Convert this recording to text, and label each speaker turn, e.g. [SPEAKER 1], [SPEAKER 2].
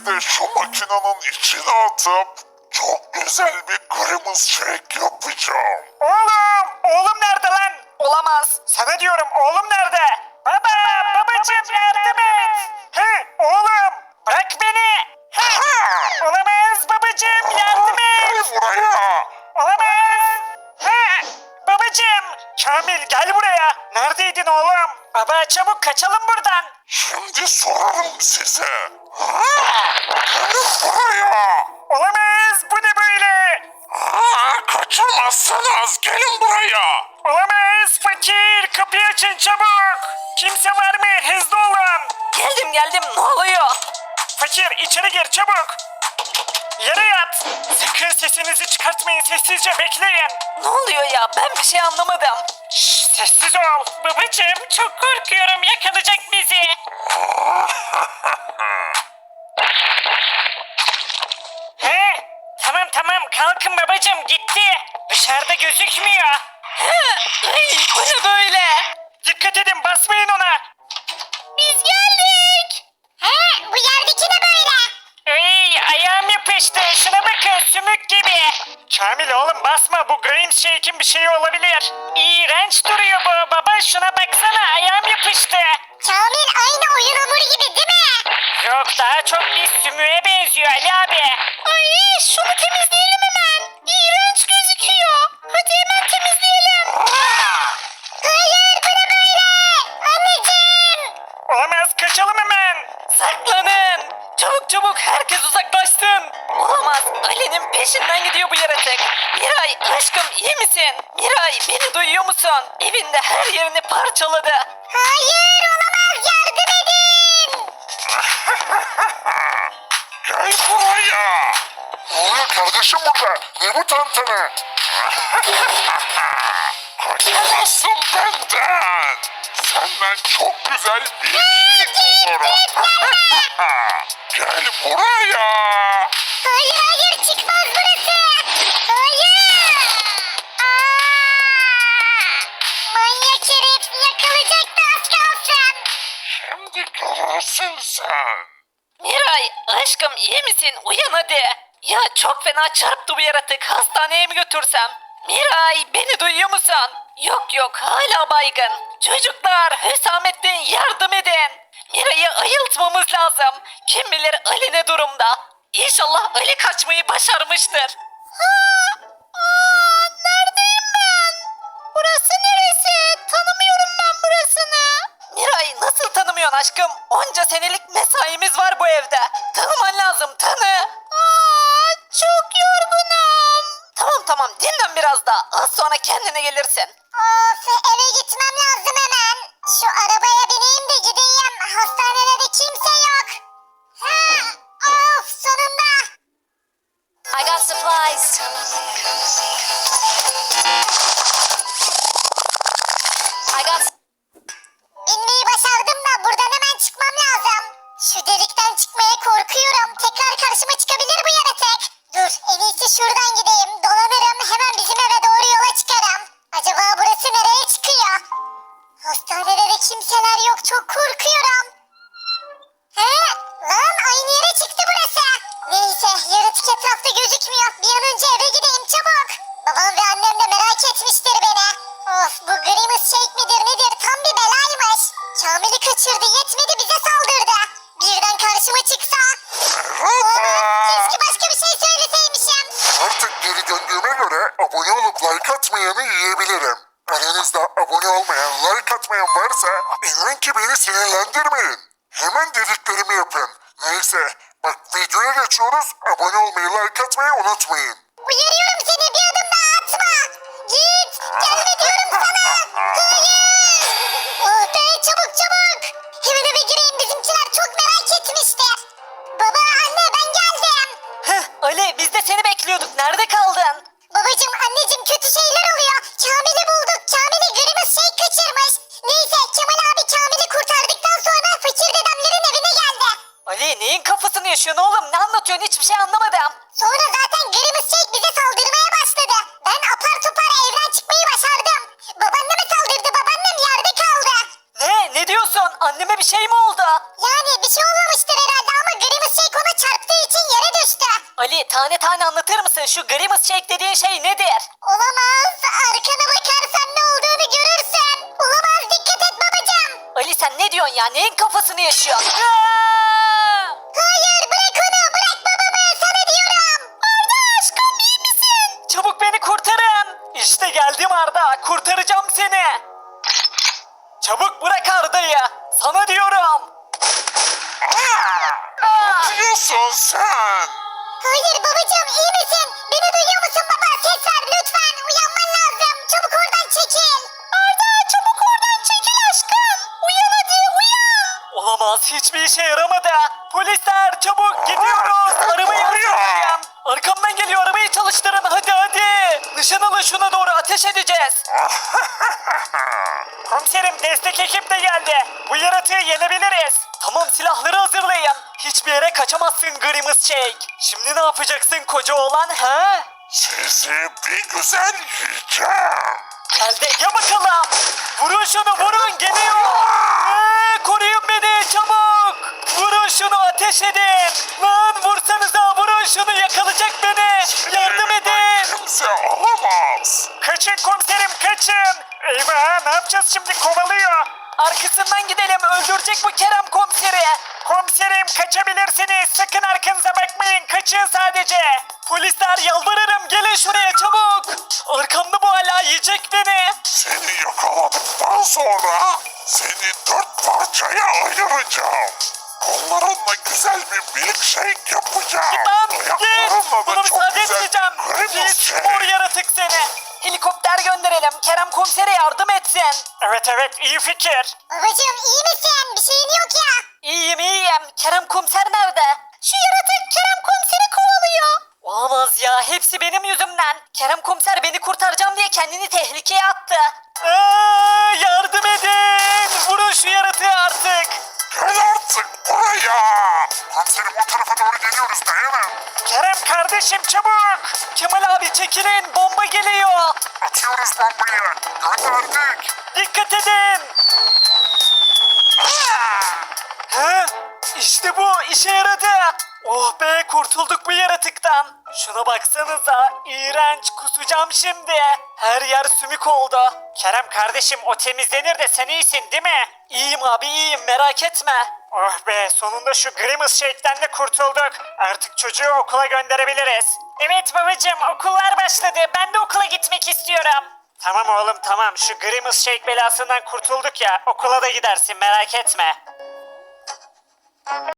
[SPEAKER 1] Şimdi de şu makinenin içine atıp çok güzel bir Grimace Shake yapacağım.
[SPEAKER 2] Oğlum nerede lan? Olamaz. Sana diyorum oğlum nerede? Babacığım yardım et. Oğlum bırak beni. Olamaz babacığım yardım
[SPEAKER 1] Gel
[SPEAKER 2] et.
[SPEAKER 1] buraya.
[SPEAKER 2] Olamaz. Babacığım. Kamil gel buraya. Neredeydin oğlum? Baba çabuk kaçalım buradan.
[SPEAKER 1] Şimdi sorarım size. Gel buraya.
[SPEAKER 2] Olamaz bu ne böyle?
[SPEAKER 1] Kaçamazsınız. Gelin buraya.
[SPEAKER 2] Olamaz fakir kapıyı açın çabuk. Kimse var mı? Hızlı olun. Geldim ne oluyor? Fakir içeri gir çabuk. Yere yat. Sakın sesinizi çıkartmayın sessizce bekleyin. Ne oluyor ya ben bir şey anlamadım. Şşş sessiz ol. Babacığım çok korkuyorum yakalayacak bizi. He? Tamam kalkın babacığım gitti. Dışarıda gözükmüyor. Bu ne böyle? Dikkat edin basmayın ona. Biz geldik.
[SPEAKER 3] Bu yerdeki ne böyle?
[SPEAKER 2] Ayağım yapıştı. Şuna bakın sümük gibi. Kamil oğlum basma bu Graham Shake'in bir şeyi olabilir. İğrenç duruyor bu baba şuna baksana ayağım yapıştı.
[SPEAKER 3] Kamil aynı oyun hamuru gibi değil mi?
[SPEAKER 2] Yok daha çok bir sümüğe benziyor Ali abi.
[SPEAKER 3] Ay şunu temizleyelim hemen. İğrenç gözüküyor. Hadi hemen temizleyelim. Hayır bu ne böyle? Anneciğim.
[SPEAKER 2] Olamaz kaçalım hemen. Saklanın. Çabuk herkes uzaklaşsın. Olamaz Ali'nin peşinden gidiyor bu yaratık. Miray aşkım iyi misin? Miray beni duyuyor musun? Evinde her yerini parçaladı.
[SPEAKER 3] Hayır olamaz yardım edin.
[SPEAKER 1] Gel buraya. Ne oluyor kardeşim burada? Ne bu tantana? Kaçamazsın benden. Senden çok güzel bir iyilik bulurum. Gel buraya.
[SPEAKER 3] Hayır çıkmaz burası. Hayır. Manyak herif yakalayacaktı az kalsın.
[SPEAKER 1] Şimdi görürsün sen.
[SPEAKER 2] Miray aşkım iyi misin? Uyan hadi. Ya çok fena çarptı bu yaratık. Hastaneye mi götürsem? Miray beni duyuyor musun? Yok hala baygın. Çocuklar Hüsamettin yardım edin. Miray'ı ayıltmamız lazım. Kim bilir Ali ne durumda? İnşallah Ali kaçmayı başarmıştır. Neredeyim ben? Burası neresi? Tanımıyorum ben burasını. Miray nasıl tanımıyorsun aşkım? Onca senelik mesaimiz var bu evde. Tanıman lazım tanı. Çok yorgunum. Tamam dinlen biraz daha. Az sonra kendine gelirsin.
[SPEAKER 3] Of eve gitmem lazım hemen. Şu arabaya bineyim de gideyim. Hastanede de kimse yok. Of sonunda.
[SPEAKER 4] I got supplies. I got.
[SPEAKER 3] İnmeyi başardım da buradan hemen çıkmam lazım. Şu delikten çıkmaya korkuyorum. Tekrar karşıma çıkabilir bu yaratık. Dur en iyisi şuradan gideyim. Dolanırım hemen bizim eve doğru yola çıkarım. Acaba burası nereye çıkıyor? Hastanede de kimseler yok çok korkuyorum. Lan aynı yere çıktı burası. Neyse yaratık etrafta gözükmüyor. Bir an önce eve gideyim çabuk. Babam ve annem de merak etmiştir beni. Of bu Grimace Shake midir nedir tam bir belaymış. Kamil'i kaçırdı yetmedi bize saldırdı. Birden karşıma çıksa. Keşke başka bir şey söyleseymişim.
[SPEAKER 1] Artık geri döndüğüme göre abone olup like atmayanı yiyebilirim. Aranızda abone olmayan, like atmayan varsa inan ki beni sinirlendirmeyin. Hemen dediklerimi yapın. Neyse bak videoya geçiyoruz. Abone olmayı, like atmayı unutmayın.
[SPEAKER 3] Uyarıyorum seni bir adım daha atma. Git gelme diyorum sana. Hayır. Oh be çabuk. Hemen eve gireyim bizimkiler çok merak etmiştir. Baba anne ben geldim.
[SPEAKER 2] Ali biz de seni bekliyorduk. Nerede kaldın?
[SPEAKER 3] Babacım anneciğim kötü şeyler oluyor. Kamil'i bulduk. Kamil'i Grimace Shake kaçırmış. Neyse Kemal abi Kamil'i kurtardıktan sonra fakir dedemlerin evine geldi.
[SPEAKER 2] Ali neyin kafasını yaşıyorsun oğlum? Ne anlatıyorsun? Hiçbir şey anlamadım.
[SPEAKER 3] Sonra zaten Grimace Shake bize saldırmaya başladı. Ben apar topar evden çıkmayı başardım. Babaanneme saldırdı. Babaannem yerde kaldı.
[SPEAKER 2] Ne diyorsun? Anneme bir şey mi oldu?
[SPEAKER 3] Yani bir şey olmamıştır herhalde ama Grimace Shake ona çarptı
[SPEAKER 2] Ali tane tane anlatır mısın? Şu Grimace Shake dediğin şey nedir?
[SPEAKER 3] Olamaz. Arkana bakarsan ne olduğunu görürsün. Olamaz, dikkat et babacığım.
[SPEAKER 2] Ali sen ne diyorsun ya? Neyin kafasını yaşıyorsun? Aa!
[SPEAKER 3] Hayır, bırak onu, bırak babamı, sana diyorum.
[SPEAKER 2] Arda aşkım iyi misin? Çabuk beni kurtarın. İşte geldim Arda. Kurtaracağım seni. Çabuk bırak Arda'yı. Sana diyorum.
[SPEAKER 1] Ne yapıyorsun sen?
[SPEAKER 3] Hayır babacığım, iyi misin? Beni duyuyor musun baba? Ses ver lütfen, uyanman lazım. Çabuk oradan çekil.
[SPEAKER 2] Arda çabuk oradan çekil aşkım. Uyan hadi uyan. Olamaz hiçbir işe yaramadı. Polisler çabuk gidiyoruz. Arabayı hazırlayın. Arkamdan geliyor arabayı çalıştırın hadi hadi. Nişan alın şuna doğru ateş edeceğiz. Komiserim destek ekip de geldi. Bu yaratığı yenebiliriz. Tamam silahları hazırlayın. Hiçbir yere kaçamazsın Grimace Shake. Şimdi ne yapacaksın koca oğlan ha?
[SPEAKER 1] Sizi bir güzel yiyeceğim.
[SPEAKER 2] Gel de ya bakalım. Vurun şunu vurun geliyor. Koruyun beni çabuk. Vurun şunu ateş edin. Lan vursanıza vurun şunu yakalayacak beni. Yardım edin.
[SPEAKER 1] Kimse alamaz.
[SPEAKER 2] Kaçın komiserim kaçın. Eyvah ne yapacağız şimdi kovalıyor. Arkasından gidelim öldürecek bu Kerem komiseri. Komiserim kaçabilirsiniz sakın arkanıza bakmayın kaçın sadece. Polisler yalvarırım gelin şuraya çabuk. Arkamda bu hala yiyecek beni.
[SPEAKER 1] Seni yakaladıktan sonra seni 4 parçaya ayıracağım. Kollarınla güzel bir milkshake yapacağım.
[SPEAKER 2] Lan git.
[SPEAKER 1] Ayaklarınla
[SPEAKER 2] Buna
[SPEAKER 1] da çok
[SPEAKER 2] müsaade
[SPEAKER 1] güzel
[SPEAKER 2] etmeyeceğim.
[SPEAKER 1] Grimace
[SPEAKER 2] Git
[SPEAKER 1] shake.
[SPEAKER 2] mor yaratık seni. Helikopter gönderelim. Kerem komisere yardım etsin. Evet iyi fikir.
[SPEAKER 3] Babacığım iyi misin? Bir şeyin yok ya.
[SPEAKER 2] İyiyim. Kerem komiser nerede? Şu yaratık Kerem komiseri kovalıyor. Olamaz ya hepsi benim yüzümden. Kerem komiser beni kurtaracağım diye kendini tehlikeye attı. Yardım edin. Vurun şu yaratığı artık.
[SPEAKER 1] Gel artık buraya. Komiserim o tarafa doğru geliyoruz dayanın.
[SPEAKER 2] Kerem kardeşim çabuk. Kemal abi çekilin bomba geliyor.
[SPEAKER 1] Atıyoruz bombayı. Gönderdik.
[SPEAKER 2] Dikkat edin. He? İşte bu işe yaradı. Oh be kurtulduk bu yaratıktan. Şuna baksanıza iğrenç kusacağım şimdi. Her yer sümük oldu. Kerem kardeşim o temizlenir de sen iyisin değil mi? İyiyim abi iyiyim merak etme. Oh be sonunda şu Grimace Shake'den de kurtulduk. Artık çocuğu okula gönderebiliriz. Evet babacığım okullar başladı. Ben de okula gitmek istiyorum. Tamam oğlum tamam şu Grimace Shake belasından kurtulduk ya okula da gidersin merak etme.